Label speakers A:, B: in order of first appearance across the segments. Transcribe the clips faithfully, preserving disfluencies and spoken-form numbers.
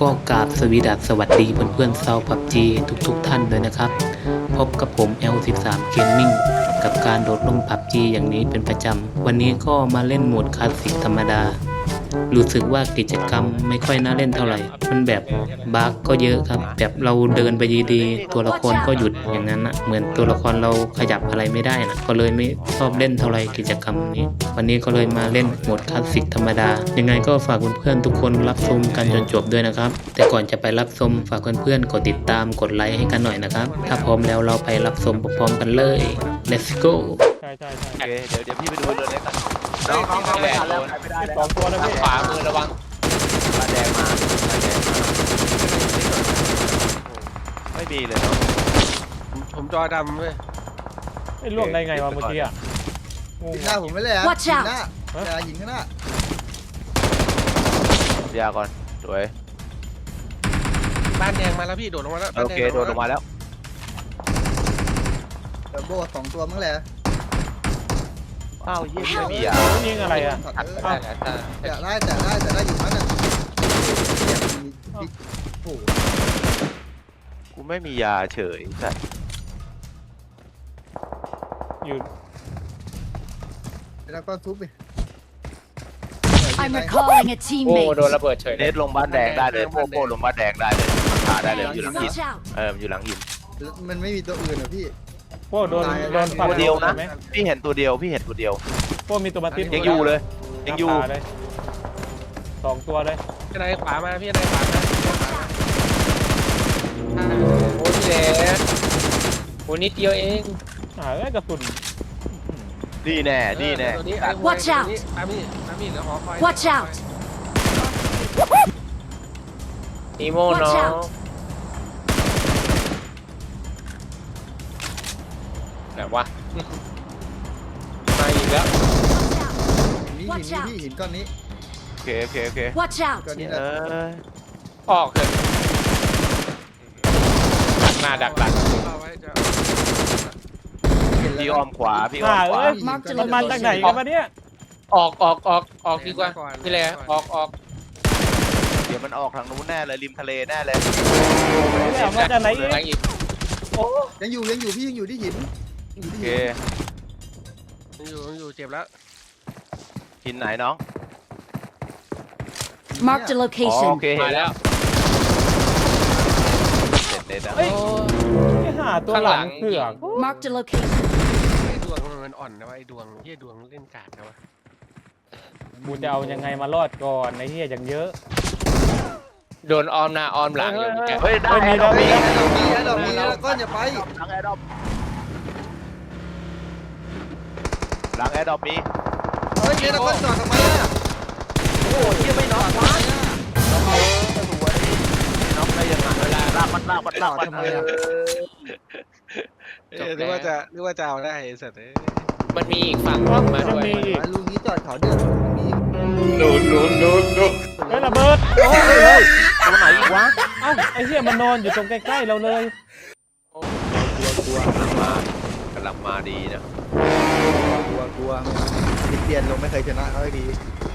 A: ก็กราบสวีดัสสวัสดีเพื่อนๆชาวพับจีทุกๆท่านเลยนะครับพบกับผม แอล สิบสาม Gaming กับการโดดลงพับจีอย่างนี้เป็นประจำวันนี้ก็มาเล่นโหมดคลาสสิกธรรมดารู้สึกว่ากิจกรรมไม่ค่อยน่าเล่นเท่าไหร่มันแบบบั๊กก็เยอะครับแบบเราเดินไปดีๆตัวละครก็หยุดอย่างนั้นนะเหมือนตัวละครเราขยับอะไรไม่ได้นะก็เลยไม่ชอบเล่นเท่าไหร่กิจกรรมนี้วันนี้ก็เลยมาเล่นโหมดคลาสสิกธรรมดายังไงก็ฝากเพื่อนๆทุกคนรับชมกันจนจบด้วยนะครับแต่ก่อนจะไปรับชมฝากเพื่อนๆกดติดตามกดไลค์ให้กันหน่อยนะครับถ้าพร้อมแล้วเราไปรับชมพร้อมๆกันเลย let's go
B: ใช่ใช่ใช่
C: โอเคเดี๋ยวเดี๋ยวพี่ไปดูเรือเล็กกัน
D: น้องน้องน้องไม่ทันแล้วไม่ได้
B: สองตัวนะพี่
C: ขวามือระวังปลาแดงมาปลาแดงมาไม่มีเลยเนาะ
D: ผมจอดำเว้ย
B: ไอ้ล่วงได้ไงวะเมื่อกี้อ่ะงง
E: หน้าผมไม่เลยอ่ะ
F: Watch
E: หิน
F: out
E: หน้าอย่าหินข้างหน้าย
C: าก่อนสวย
D: บ้านแดงมาแล้วพี่โดดลงมาแล้ว
C: โอเคโดดลงมาแล้ว
E: เดี๋ยวโบสองตัวมั้งแหละ
C: อ้าวเยี่ยมไม่มีอ่ะ
B: ยิงอะไรอ่ะ
E: ได้แต่ได้แต่ได้แต่ได้อยู่นั้นอ่ะเนี่ยมีบิ๊กโอ้โห
C: กูไม่มียาเฉยสัตว์
B: อยู่
E: แล้วก็ทุบไป
F: I'm recalling a
G: โอ้
F: teammate.
G: โดนระเบิดเฉย
C: เนทลงบ้านแดงได้เลยโป้โป้ลงบ้านแดงได้เลยขาได้เลยอยู่หลังหิน
F: Watch out!
C: เอออยู่หลังหิน
E: มันไม่มีตัวอื่นอ่ะพี่
B: โป้โดนโดนฟัน
C: ตัวเดียวนะ
B: ไหม
C: พี่เห็นตัวเดียวพี่เห็นตัวเดียว
B: โป้มีตัวมาติด
C: ยังอยู่เลยยังอยู่
B: ตาเลยสองตัวเลย
D: พี่นายขวามาพี่นายขวามา
G: โอ้ยแหละโอ้นิดเดียวเอง
B: อ่าเอ้ยกระสุน
C: นี่แน่นี่แน่
D: ตัวนี้
F: Watch out
D: ตามนี่ตามนี่แล้วหอคอย
F: Watch out!
G: นีโม่น้อง ไหนวะ มาอีกแล้ว
E: นี่หินนี่พี่หินก้อนนี้
C: โอเคโอเคโอเค
F: Watch out!
E: ก้อนนี้
C: เอ
E: นะ
C: อ
G: ออกเถอะดักหน้าดักหลัง
D: เอาไว้จะ
C: พี่อ้อมขวาพี่อ้อ
B: อ่าม
C: ขวา
B: เอ้ยมันมาจากไหนกันมาเนี่ย
G: ออกออกออกออกดีกว่าพี่แหละออกออก
C: เดี๋ยวมันออกทางนู้นแน่เลยริมทะเลแน่เลย
B: ไม่เอามาจากไหนอีก
G: หลังอีก
B: โอ้
E: ยังอยู่ยังอยู่พี่ยังอยู่ที่หินอยู่
C: โอ
E: ที่
C: เค
E: หิน
D: อยู่อยู่เจ็บแล้ว
C: หินไหนน้อง
F: Marked a
C: อ๋อ
F: location.
C: โอเคเห็
G: มาน
C: แล้
G: แล้ว ว
C: เสร็จเลยนะ
B: เอ้ยไอ้ห่าตัวหลังเผือก
F: Marked a location.
D: ไอ้ดวงมันอ่อนนะวะไอ้ดวงเฮียดวงเล่นกาดนะวะ
B: กูจะเอายังไงมารอดก่อนไอ้เหี้ยอย่างเยอะ
G: โดนออมหน้าออมหลังอยู่แก
C: เฮ้ยได้
B: เฮ้ยมี
C: ดอก
B: มี
C: มี
E: ดอกมีดอกมีแล้วก้อนอย่าไป
C: หลังแอร์ดรอปหลังแอร์ดรอปมี
E: เฮ้ยเนี่ยแล้วก้อนจอดทำไมอ่ะ
C: โอ้ยยังไม่น็อกวะน็อกน็อกได้ยังไงเวลาลากมันลากมันลากมันเออ
D: เออนึกว่าจะนึกว่าจะเอาได้ไอ้สัตว์เอ้ย
G: มันมีอีกฝั่งนึงมาด้วย
B: มีอีก
E: ลูกนี้จอดเขาเดือดมี
G: โดนโดนโดนโดน
B: เฮ้ยระเบิด
C: โอ้ยเฮ้ยตัวไหนอีกวะ
B: เอ้าไอ้เหี้ยมันนอนอยู่ตรงใกล้ๆเราเลย
C: กลัวกลัวกำลังมากำลังมาดีนะ
E: กลัวกลัวติดเตียนลงไม่เคยชนะเขาให้ดี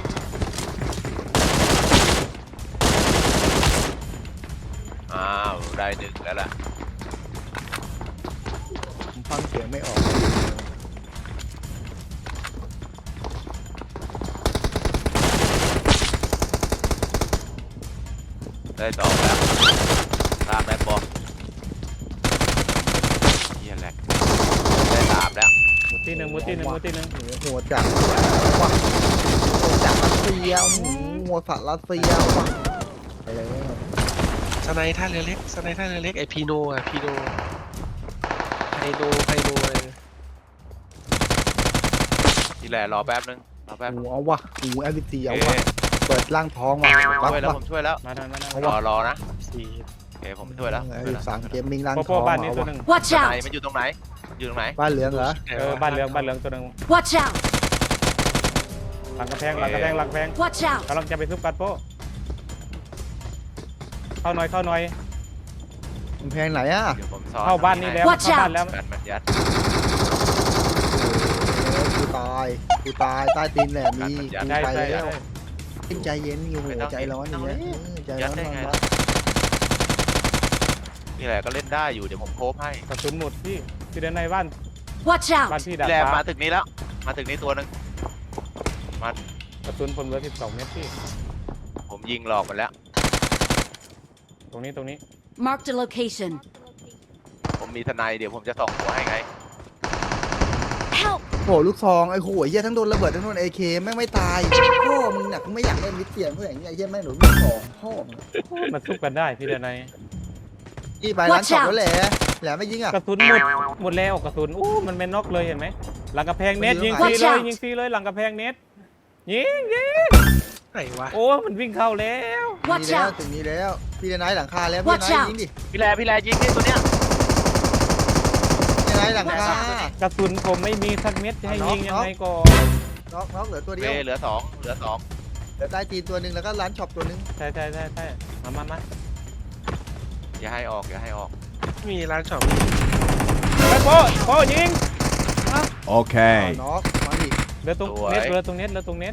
C: อ้าวได้หนึ่งแล้วล่ะ
E: ผมฟังเสียงไม่ออก
C: ได้สองแล้วลากได้ปะเยี่ยแหละได้สามแล้ว
B: หมุดที่หนึ่งหมุดที่หนึ่งหมุดที่หนึ่ง
E: หัวจักว่ะหัวจักรัสเซียหัวสัตว์รัสเซียว่ะไปเลย
D: สไนท่าเรือเล็กสไนท่าเรือเล็กไอพีโนอ่ะพีโนไพโนไพโนอะไร
C: ทีแหละรอแป๊บนึงรอแป๊บ
E: หูเอาวะหูแอลซี
C: โอ
E: เอา
C: เคว
E: ะเปิดร่างท้องมา
C: ช่วยแล้ว
E: วะ
C: ผมช่วยแล้ว
B: มาทางมาทาง
C: รอรอนะ
B: สี่
C: โอเคผมช่วยแล้ว
E: ไอ้สามเกมมิ่งร่าง
B: โป
E: ท้อง
B: โป้บ้านนี้
E: เอา
B: ตัว
E: วะ
B: หนึ่ง
F: Watch
C: ไหน
F: out!
C: มันอยู่ตรงไหนอยู่ตรงไหน
E: บ้านเหลืองเหรอ
B: เออบ้านเหลืองบ้านเหลืองตัวหนึ่ง
F: Watch out!
B: หลังกระแพงหลังกระแพงหลังกระแพง
F: Watch out!
B: กำลังจะไปซุปกัดโป้เข้าหน่อยเข้าหน่อย
E: กำแพงไหนอ่ะ
C: เดี๋ยวผมซ้อน
B: เข้าบ้านนี้แล้ว
F: Watch
B: เข้าบ้านแล้ว
C: กันมันยัด
E: กูตายกูตายใต้ตีนแหลมมีกู
B: ใช่
E: ไป
B: ใช่
E: แล้ว
B: ใช่
E: ใจเย็นอยู่ใจร้อนอย่างเงี้ยใจร้อนนอน
C: นี่แหละก็เล่นได้อยู่เดี๋ยวผมโคฟให้
B: กระสุนหมดพี่พี่เดินในบ้าน
F: Watch
B: บ้าน
F: out!
B: พี่ดาด
C: แล
B: ฟ้า
C: มาถึงนี้แล้ว มาถึงนี้ตัวหนึง
B: กระสุนผมเหลือสิบสองเมตรพี่
C: ผมยิงหลอกมันแล้ว
B: ตรงนี้ตรงนี้
F: Marked a location.
C: ผมมีทนายเดี๋ยวผมจะส่องหัวให้ไง
F: Help!
E: โหลูกซองไอ้โหเหี้ยทั้งโดนระเบิดทั้งโดนเอเคแม่งไม่ตายพ่อมึงเนี่ยกูไม่อยากเล่นมิดเตียนเพื่ออย่างเงี้ยไอ้เหี้ยแม่งหนูลูกซองพ่อมึง
B: มันสู้กันได้พี่เดินใน
E: นี่ไปร้าน
F: Watch
E: ช็อป
F: out
E: แล้วแหละแหละไม่ยิงอ่ะ
B: กระสุนหมดหมดแล้วกระสุนอู้มันเป็นน็อกเลยเห็นไหมหลังกระแพงเน็ต
E: มันยิ
B: ยิง
E: ง
B: ฟรี
F: Watch
B: เลย
F: out
B: ยิงฟรีเลยหลังกระแพงเน็ตยิงยิง
D: ไหนวะ
B: โอ้มันวิ่งเข้าแล้ว
E: มี
F: Watch
E: แล้ว
F: out!
E: ถึงนี้แล้วพี่เดนไนท์หลังคาแล้วพี่เดน
F: Watch
E: ไนท์
F: out
E: ยิงดิ
C: พี่แลพี่แลยิงที่ตัวเนี้ย
E: พี่เดนไนท์หลังคาก
B: ระสุนผมไม่มีสักเม็ดจะให้ยิงยังไงก่อน
E: น็อกน็อกเหลือตัว
C: โอ
E: เดี
C: เค
E: ยว
C: เหลือสองเหลือสอง
E: เหลือใต้ตีนตัวหนึ่งแล้วก็ร้านช็อปตัวหนึ่ง
B: ใช่ใช่ใช่ใช่มามามา
C: อย่าให้ออกอย่าให้ออก
D: มีร้านช็อป
B: ไปโป้โป้ยิง
H: Okay.
E: น็อกมาดิ
B: เหลือตรงเน็ตเหลือตรงเน็ตเหลือตรงเน็ต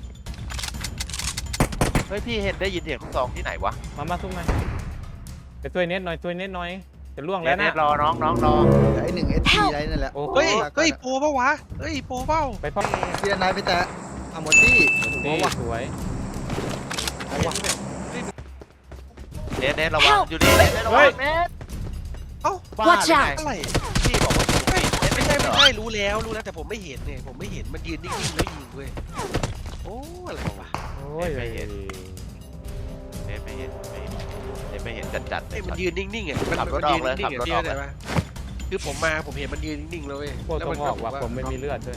C: เฮ้ยพี่เห็นได้ยินเสียงลูกซองที่ไหนวะ
B: มามาทุกมาไปช่วยเน็ตหน่อยช่วยเน็ตหน่อยจะล่วง
C: เน็
B: แล้
C: ต
B: ว
C: เน็
B: นะ
C: ตรอน้องน้องรอ
E: เหลือไอ้หนึ่งเอสพีไรนั่นแหละ
B: โอ้โห
D: เฮ้ยเฮ้ยโปรเปล่าวะเฮ้ยโปรเปล่า
B: ไปพ่อ
E: พี่เดนไนท์ไปแตะอ่ะหมดที่โอ้
B: ดี
E: โหว่ะ
B: สวย
E: เอาว่ะ
C: เน็ตเน็ตระวังอยู่นี่เน็ตเน็ตระวังเน็ต
D: เอ้า
C: บ้า
F: Watch
C: หรือไง
F: out
D: อะไร
C: พี่บอกว่าอยู่นี่เน็ต
D: ไม่
C: ไม่
D: ใช่
C: ใช่เหร
D: ไม่
C: อ
D: ใช่รู้แล้วรู้แล้วแต่ผมไม่เห็นเนี่ยผมไม่เห็นมันยืนนิ่งๆแล้วยิงเว้ยโอ้อะไรวะ
B: โอ้ย
C: ไม่เห็น เน็ตไม่เห็นไม่เห็นเน็ตไม่เห็นจัดจัดๆเล
D: ไอ้
C: ย
D: มันยืนนิ่งๆอ่ะมัน
C: ขับรถ
D: มันยืน
C: ออกเลย
D: นิ่งๆอ่ะ
C: ขับรถ
D: พี่
C: ออก
D: เข้า
C: เลย
D: ใจปะคือผมมาผมเห็นมันยืนนิ่งๆเลยเว้ย
B: โป้ต้องออกว่ะผมไม่มีเลือดด้วย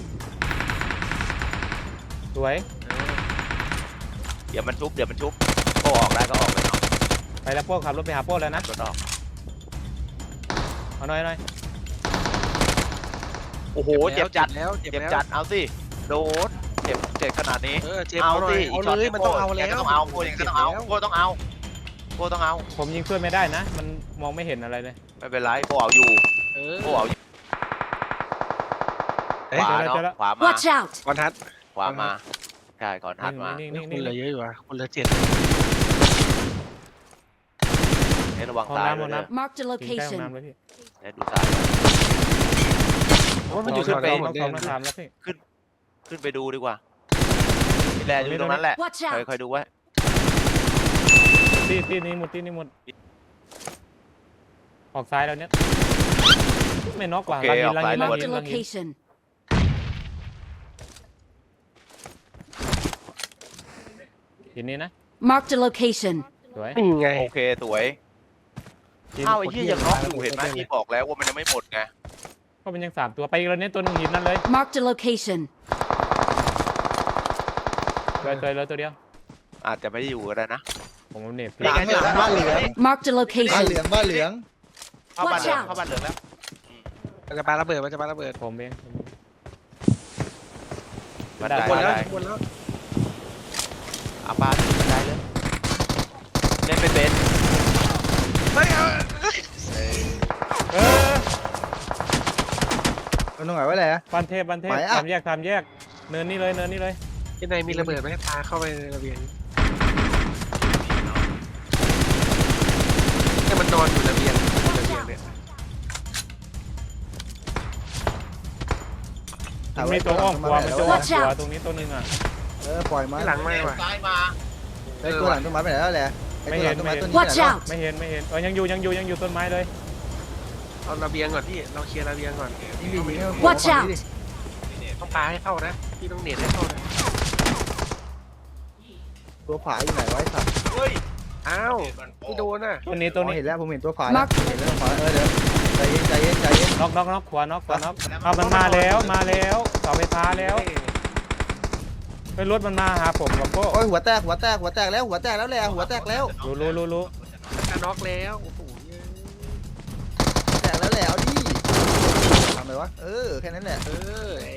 B: สวย
C: เดี๋ยวมันชุบเดี๋ยวมันชุบโป้ออกได้ก็ออกไปเนาะ
B: ไปแล้วโป้ขับรถไปหาโป้แล้วนะ
C: รถออก
B: เอาหน่อยหน่อย
C: โอ้โหเจ็บจัด
D: แล้วเจ็บ
C: เจ็บ
D: แล้ว
C: จัดเอาสิโดนเจ็บเจ็บขนาดนี้
D: เออเจ็บเอาหน่อยเอาเลยมันต้องเอาแล้ว
C: ก็ต้องเอาโป้ยังก็ต้องเอาโป้ต้องเอาโป้ต้องเอา
B: ผมยิงช่วยไม่ได้นะ มันมองไม่เห็นอะไรเลย
C: ไม่เป็นไรโป้เอาอยู่
D: เออ
C: โป้เอาอยู่
D: เอ้
C: ข
D: ยว
C: าเนาะขวามา
F: Watch out!
D: ก่อนทัด
C: ขวามาใช่ก่อนทัดมา
B: นิ่ง
D: นี่
B: ๆ
D: คุ
B: นิ่
D: ณ
B: ง
D: เหลือเยอะอยู่อ่ะคุณเหลือเจ็ด
C: เน็ตระวัง
B: ห้อง
C: ซ้าย
B: น้ำห้อง
C: ด้วย
B: น้
C: นะ
F: Marked a
B: ำยิงใกล้ห้อง
F: location.
B: น้ำเลยพี่
C: เน็ตดูซ้ายโอ้ยมันอยู่ขึ้นไป
B: น้องสองน้องสามแล้วพี่
C: ขึ้นไปดูดีกว่าพี่แลอยู่ตรงนั้นแหละ
F: Watch
C: คอย
F: out!
C: คอยดูไว้
B: ที่ที่นี้หมดที่นี้หมดออกซ้ายแล้วเนี่ยไม่น็อกว่ะ
C: โอเค
B: ลังยินลังยินลัง
F: Marked
B: ยิ
F: a
B: นลังยิน
F: location.
B: ทีนี้นะ
F: Marked a location.
B: สวย
D: นี่ไง
C: โอเคสวยอ้าวไอ้ที่ยังน็อกอยู่เห็นไหมพี่บอกแล้วว่ามันยังไม่หมดไง
B: ก็เป็นยังสามตัวไปอีกแล้วเนี่ยตัวหนึงหินนั่นเลย
F: Marked a location.
B: สวยสวยเลยตัวเดียว
C: อาจจะไม่ได้อยู่ก็ได้นะ
B: ผมเอาเน็ต
E: หลังเหลืองบ้านเหลือง
F: Marked a
E: บ้านเห
F: location.
E: ลืองบ้านเหลือง
C: เข้าบ้านเหลือง
F: Watch out
C: เข้าบ้านเหลืองแล้ว
D: มันจะปาระเบิดมันจะปาระเบิด
B: ผมเองผมเอง
C: บันได
B: ได้
D: หมด
C: บัน
D: แล้ว
C: ได
D: หมดแล้ว
C: อาบ้านบันไดเลยเล่นเป็นเป็น
D: ไม่เอา
B: เออ
E: มันตรงไหนไว้แหละ
B: ปันเทพปันเทพ
E: ไหนอะ
B: สามแยกสามแยกเนินนี่เลยเนินนี่เลย
D: ที่ในมีระเบิดไหมปาเข้าไปในระเบียงเนี่ยมันนอนอยู่ระเบียงระเบียงเนี่ย
B: มันมีตัวอ้อมขวามันจะอ้อม
F: Watch
B: ขวา
F: out
B: ตรงนี้ตัวหนึงอ่ะ
E: เออปล่อยมัน
D: ที่หลังไม่ว่ะ
C: ซ้ายมา
E: ไอ้ตัวหลังต้นไม้ไปไหนแล้วแหละไอ้ตัวหลังต้นไม้ต้นนี้ไป
F: Watch
E: ไหนแล้ว
F: out!
B: ไม่เห็นไม่เห็นเออยังอยู่ยังอยู่ยังอยู่ต้นไม้เลย
D: เอาระเบียงก่อนพี่เราเคลียร์ระเบียงก่อน
E: ยิงดิยิงให้มัน
F: Watch
E: ฝั่ง
F: out
E: นี้ดิ
D: ต้องปาให้เข้านะพี่ต้องเน็ตให้เข้านะ
E: ตัวฝาอยู่ไหนไวะไอ้สัตว์
C: เฮ้ย
D: อ้าวไม่โดนอ่ะ
B: ตัวนี้ตัว
E: อ๋อ
B: นี้
E: เห็นแล้วผมเห็นตัวฝาแล้ว
F: Mark
E: เห็นแล้วตัวฝาเออเดี๋ยวใจเย็นใจเย็นใจเย็น
B: น็อกน็อกน็อกขวาน็อกขวาน็อกเอามันมาแล้วมาแล้วเสาไฟฟ้าแล้วไปรถมันมาหาผมกับโก้
E: โอ้ยหัวแตกหัวแตกหัวแตกแล้วหัวแตกแล้วแหละหัวแตกแล้ว
B: รู้รู้รู้รู้
D: จะน็อกแล้วโอ้โห
E: แตกแล้วแหละเอาดิทำเลยวะเออแค่นั้นแหละ
D: เออไอ้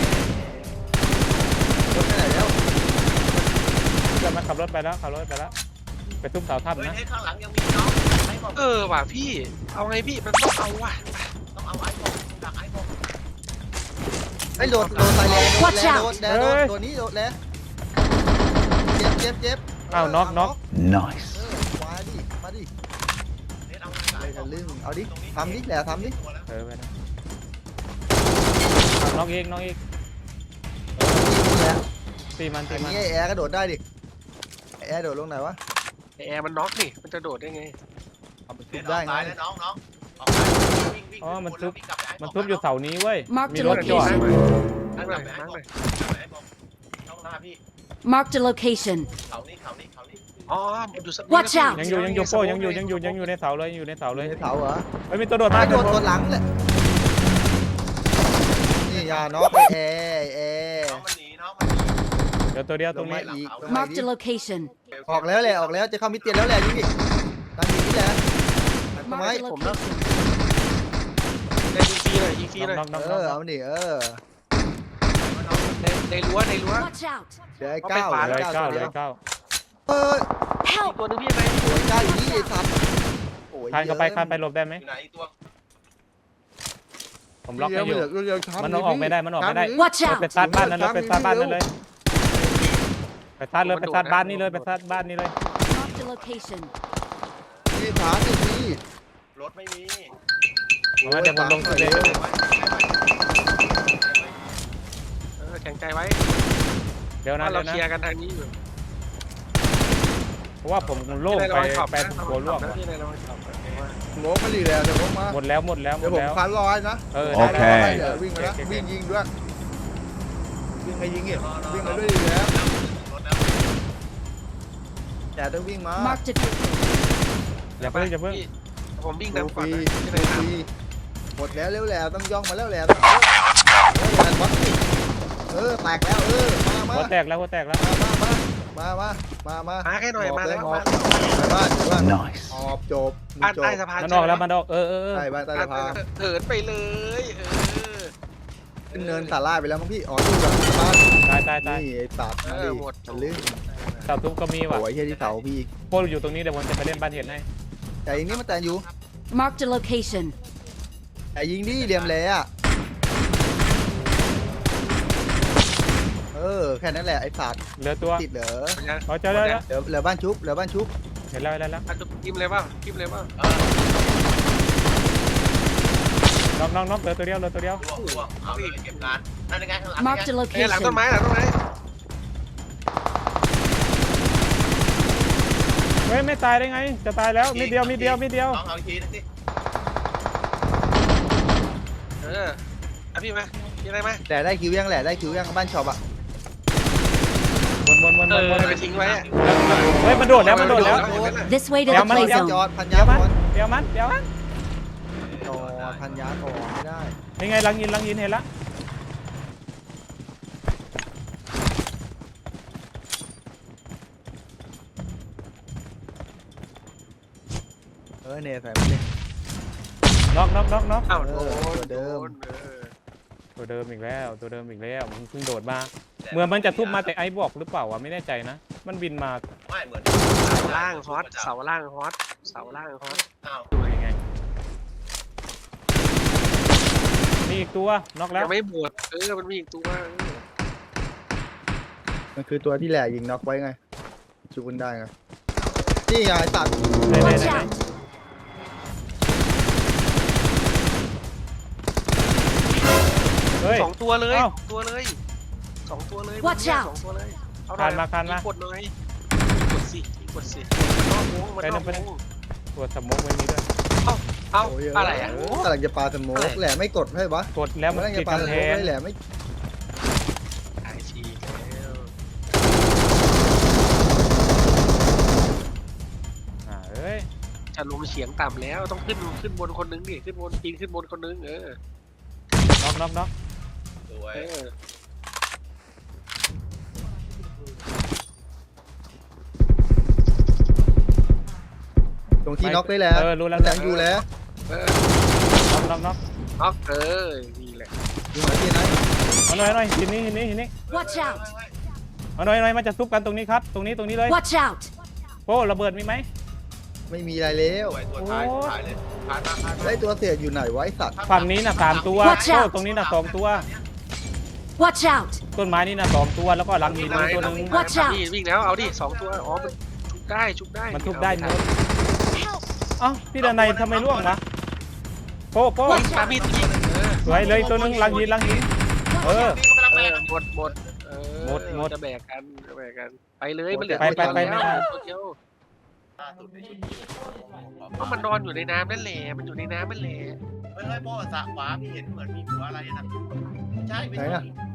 E: รถไปไหนแล้ว
B: จะมาขับรถไปแล้วขับรถไปแล้วไปทุบเสาทับ
C: เฮ้ย
B: นะ
C: ให้ข้างหลังยังมีน้องไอ้บอก
D: เออว่ะพี่เอาไงพี่มันต้องเอาว่ะ
C: ต้องเอาไอ้บอกดักไอ้บอก
E: ไอ้โดดโดดใส่แรงโดด
F: Watch
E: แรง
F: out
E: โดดแรงโดดโดดนี้โดดแรงเจ็บเจ็บเจ็บ
B: อ้าวน็อกน็อก
E: เออมาดิมาดิ
C: เน็ตเอา
E: อะไรทะลึ่งเอาดิทำดิแหละทำดิ
B: เออไปนะน้องอีกน้องอีก
E: นี่แหละ
B: ตีมันตี
E: อัน
B: มัน
E: นี้ไอ้แอร์กระโดดได้ดิไอ้แอร์โดดลงไหนวะ
D: ไอ้แอร์มันน็อกนี่มันจะโดดได้ไง
E: เอาไปทุบได้ไง
C: น้องน้อง
B: อ๋อมันทุบมันทุบอยู่เสานี้เว้ย
F: Marked
B: มี
F: a
B: รถจอด
F: location.
D: นั่งหน่อยนั่งหน่อย
C: ช่องหน้าพี่
F: Marked a location.
C: เขานี่เขานี่เขานี่
D: อ๋อมันอยู่สัก
F: Watch out
B: ยังอยู่ยังอยู่โป้ยังอยู่ยังอยู่ยังอยู่ในเสาเลยยังอยู่ในเสาเลย
E: ในเสาเหรอ
B: เฮ้ยมีตัวโดดมา
E: ไม่โด
B: ตัวน โด
E: ตัว
B: ด
E: หลังเลยนี่ยาน็อกไอ้แอร์ไอ้แอร์
C: น้องมันหนีน้องมันหนี
B: เดี๋ยวตัวเดียวตรงนี้
E: ลมาอีกลงมา
F: Marked
E: อี
F: a
E: ก
F: location.
E: ออกแล้วแหละออกแล้วจะเข้ามิดเตียนแล้วแหละยิงดิตั้งยิงนี่แหละทำไม
F: Marked a
D: ผมแล้ว
F: location.
D: ได้ยิงฟรีเลยยิงฟรีเลย
B: น้องน้อง
E: เอ
B: น้อง
E: อ
B: น้อ
E: เอา
B: ง
E: ดิเออ
D: ในในรั้วในรั้ว
F: Watch out.
E: เดี๋ยวไอ้เก้า
B: เลย
E: ไอ้
B: เก้า
E: เก้า
B: เล
E: เดี๋ย
B: ยว เก้า
E: เออ
D: อีก
F: Help.
D: ตัวนึงพี่ยังไง
E: โอ้ยเก้าอยู่นี่ไอ้สัตว์โอ้ย
B: คานเข้าไปคานไปหลบได้ไหม
C: อยู่ไหนตัว
B: ผมล็อกให้อยู่
E: เดี๋วๆๆ
B: มันเอาออกไม่ได้มันออกไม่ได้
F: Watch
B: รถไป
F: out.
B: ซาดบ้านนั้นเลยไปซาดบ้านนั้นเลยไปซาดเลยไปซาดบ้านนี้เลยไปซาดบ้านนี้เลย
F: Marked a location.
E: นี่ถามสิพี่
C: รถไม่มี
B: เอามาเดี๋ยวผมลงตัวเอง
D: เออแข็งใจไว้
B: เดี๋ยวนะ
D: ว่าเรา
B: เดี๋ยว
D: เคลีย
B: นะ
D: ร์กันทางนี้อยู่
B: เพราะว่าผมโล่ง
D: ที่
B: ไป
D: ระวังขอบ
B: แปด
D: นะ
B: หัวล่วง
D: ที่ในระวังขอบนะ
E: โมกมาลีแล้วเดี๋ยวผมมา
B: หมดแล้วหมดแล้วหม
E: เดี๋ยว
B: ด
E: ผม
B: แล้ว
E: คันร้อยนะ
B: เออ
H: โอเค
B: ได้
E: เดี๋ยว
B: ได้
E: วิ่งมาแล้ว
B: โอเค
E: วิ่งยิงด้วยวิ่งไปยิงอีกวิ่งมาด้วยดีแล้ว
C: รถแล้ว
E: แต่ต้องวิ่งมา
F: Marked a
B: อย่าเพิ่งอย่าเพิ่ง
D: พี่ผมวิ่ง
E: ดู
D: นำ
E: ฟ
D: ก่อน
E: รี
D: นะที่ใน
E: ดูฟ
D: น้ำ
E: รีหมดแล้วเร็วแล้วต้องย่องมาแล้วแหละต้องแล้วแหละวัดสิเออแตกแล้วเออมามา
B: หัวแตกแล้วหัวแตกแล้ว
E: มามามามามา
D: มาแค่หน่อยมาแล้ว
E: อ
D: มา
E: อกไปบ้านไปบ้าน
H: Nice.
E: ออกจบ
D: บ้าน
E: จบ
D: ใต้สะพาน
B: มันออกแล้วมันออกเออเออเออ
E: ใช่บ้านใต้สะพาน
D: เถินไปเลยเออ
E: ขึ้นเนินสาลายไปแล้วมั้งพี่อ๋อดูแบบบ้าน
B: ตายตายตาย
E: นี่ไอ้สัตว์มาดิทะลึ่ง
B: เสาทุบก็มีว่ะ
E: โอ้ยเฮียที่เสาพี่
B: โป้อยู่ตรงนี้เดี๋ยวผมจะไปเล่นบ้านเห็ดให้
E: แต่ยิงนี่มันแต่อยู่
F: Marked a location.
E: แต่ยิงดิเหลี่ยมเลยอ่ะเออแค่นั้นแหละไอ้สัตว์
B: เหลือตัว
E: ติดเหรอ
B: เขาเจอแล้วแล้ว
E: เหลือเหลือบ้านชุบเหลือบ้านชุบ
B: เห็นแล้วเห็นแล้วแล้ว
D: อ่ะกิมเลยเปล่ากิมเลยเปล่า
B: น้องน้องน้องเหลือตัวเดียวเหลือตัวเดียว
C: ล่วงล่วงเอาเลยเก็บงานนั่นยังไงข้างหลัง
F: Marked a
D: เอ้ยหลังต้น
F: location.
D: ไม้หลังต้นไม้
B: เฮ้ยไม่ตายได้ไง จะตายแล้วมีเดียวมีเดียวมีเดียว
C: น้องเอาอีกทีนึงสิ
D: เอออ่ะพี่มาพี่อะไรมา
E: แต่ได้คิวยังแหละได้คิวยังบ้านช็อปอ่ะ
B: วนวนวน
D: เอ
B: วน
D: อ
B: วน
D: ไปทิ้งไว้อะ
B: เฮ้ยมันโดดแล้วมันโดดแล้ว
F: This way to
B: Yeah,
F: the
B: man,
F: play
B: yeah.
E: จอ
F: zone.
E: ดพัน
B: เดี๋
E: ยา
B: ยวมัน
E: ก่อน
B: เดี๋ยวมันเดี๋ยวมัน
E: จอดพันยาก่อนไม่ได้
B: ยังไงลังยินลังยินเห็นละ
E: เออเนี่ยใส่มาเลย
B: น็อกน็อกน็อกน็อก
D: อ้าวโด
E: เออตัว
D: น
E: เดิม
D: เออ
B: ตัวเดิมอีกแล้วตัวเดิมอีกแล้วมันเพิ่งโดดมาเหมือนมันจะทุบมาแต่ไอ้บอกหรือเปล่าวะไม่แน่ใจนะ มันบินมา
C: ไม่เหมือน
D: เสาล่างฮอตเสาล่างฮอตเสาล่างฮอต
C: อ้าว
B: ยังไงนี่อีกตัวน็อกแล้ว
D: ยังไม่หมดเออมันมีอีกตัวเออ
E: มันคือตัวที่แหล่ยิงน็อกไว้ไงชูกันได้ไงนี่ไงไอ้สัตว์
B: ไหนไหน
F: Watch
B: ไหน
F: out.
B: เฮ้ย
D: สองตัวเลย
B: เอ้า
D: ตัวเลยสองตัวเลย
F: Watch
D: มัน
F: out
D: สองตัวเลยเอา
B: คานมาคานมา
D: กดหน่อยกดสิกดสิมันนอกวงมันนอก
B: ไป
D: ว
B: นะ
D: ง
B: ตัวสมองไม่มีด้วย
D: เอ้า
E: โย
D: อะไรอ่ะ
E: กำลังจะปาสโมก
D: อะไร
E: แหล่ไม่กดให้ปะ
B: กดแล้วมัน
E: กำลัง
B: ติ
E: จะ
B: ด
E: ปาส
B: กำแพ
E: โมก
B: ง
E: ให้แหล่ไม่
D: ไอทีแล้ว
B: อ่าเอ้ย
D: จะลงเฉียงต่ำแล้วต้องขึ้นขึ้นบนคนนึงดิขึ้นบนปีนขึ้นบนคนนึงเออ
B: น็อกน็อกน็อก
C: สวย
D: เออ
E: ตรงที่น็อกได้แล้ว
B: เออรู้แล้ว
E: แหล่อยู่แล้ว
D: เออ
B: น็อกน็อกน็อก
D: น็อกเออนี่แหละ
E: ยิงมาที่ไหน
B: เอาหน่อยเอาหน่อยหินนี้หินนี้หินนี้
F: Watch out.
B: เอาหน่อยเอาหน่อยมันจะทุบกันตรงนี้ครับ ตรงนี้ตรงนี้เลย
F: Watch out.
B: โป้ระเบิดมีไหม
E: ไม่มีอะไรแล้ว
C: สวยตัวท้ายท้ายเลยท้ายมาท้ายมา
E: ไอ้ตัวเสียอยู่ไหนไวะไอ้สัตว์
B: ฝั่งนี้น่ะสามตัว
F: Watch
B: โอ้
F: out
B: ตรงนี้น่ะสองตัว
F: Watch out.
B: ต้นไม้นี่น่ะสองตัวแล้วก็หลังหินนี่ตัวหนึง
F: Watch out
D: นี่วิ่งแล้วเอาดิสองตัวอ๋อมันชุบได้ชุบได้
B: มันทุบได้หมด
F: Help.
B: เอ้าพี่ดนัยทำไมร่วงวะโป๊ะโป๊ะ
D: ปามีดยิงเออ
B: สวยเลยตัวนึงลังหินลังหินเออ
D: เออหมดหมดเออ
B: หมดหมด
D: จะแบกกันจะแบกกันไปเลยมันเหลือ
B: ไปไปไป
D: ตัว
B: ไม่
D: เดียว
B: ได้
D: ตัวเดียวเพราะมันนอนอยู่ในน้ำนั่นแหละมันอยู่ในน้ำนั่นแหละ
C: เฮ้ยโป้สะขวาพี่เห็นเหมือนมีหัวอะไรนะใช่ไม่
E: ไหน
C: ใช่
E: อะ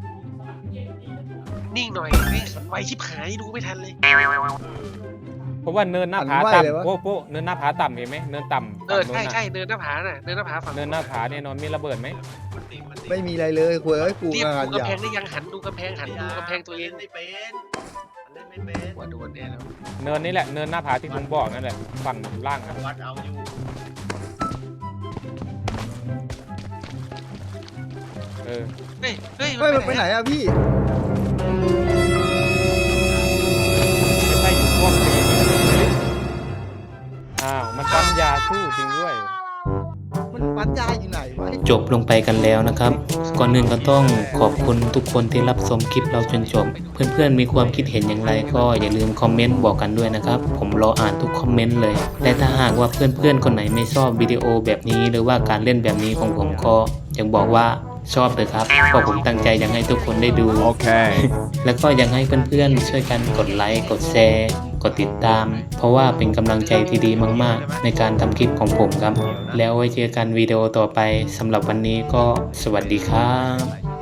D: นิ่งหน่อยนี่ไวชิบหายดูไม่ทันเลย
B: เพราะว่าเนินหน้าผาต่ำโป๊ะโป๊ะเนินหน้าผาต่ำเห็นไหมเนินต่ำ
D: เออ
B: ฝั่ง
D: ใช่
B: นู้นน่ะ
D: ใช่เนินหน้าผาน่ะเนินหน้าผาฝั่ง
B: เนินหน้าผาเนี่ยนอนมีระเบิดไหม
E: ไม่มีอะไรเลยคุยเอ้ยกู
D: เรียก
E: งาน
D: ดู
E: อก
D: ำ
E: ย่า
D: แพงได้ยังหันดูกำแพงหันดูกำแพงตัวเอง
C: ไม่เป็นเล่นไม่เป็น
D: หัวโดนแน่แล้ว
B: เนินนี่แหละเนินหน้าผาที่ผมบอกนั่นแหละฝั่งล่างอะ
C: วัดเอาอยู่
B: เออ
D: เฮ้ยเฮ้ย
E: เฮ้ยมันไปไหนอะพี่
B: ไม่ใช่อยู่ช่วงตีนี่อ้าวมันปั๊มยาสู้จริงด้วย
E: มันปัญญาอยู่ไหนวะ
A: จบลงไปกันแล้วนะครับ ก่อนอื่นก็ต้องขอบคุณทุกคนที่รับชมคลิปเราจนจบ เพื่อนๆมีความคิดเห็นอย่างไรก็อย่าลืมคอมเมนต์บอกกันด้วยนะครับ ผมรออ่านทุกคอมเมนต์เลย และถ้าหากว่าเพื่อนๆคนไหนไม่ชอบวิดีโอแบบนี้หรือว่าการเล่นแบบนี้ของผมก็อยากบอกว่าชอบเลยครับเพราะผมตั้งใจอยากให้ทุกคนได้ดู
H: Okay.
A: แล้วก็ยังให้เพื่อนๆช่วยกันกดไลค์กดแชร์กดติดตาม เพราะว่าเป็นกำลังใจที่ดีมากๆ ในการทำคลิปของผมครับ แล้วไว้เจอกันวิดีโอต่อไปสำหรับวันนี้ก็สวัสดีครับ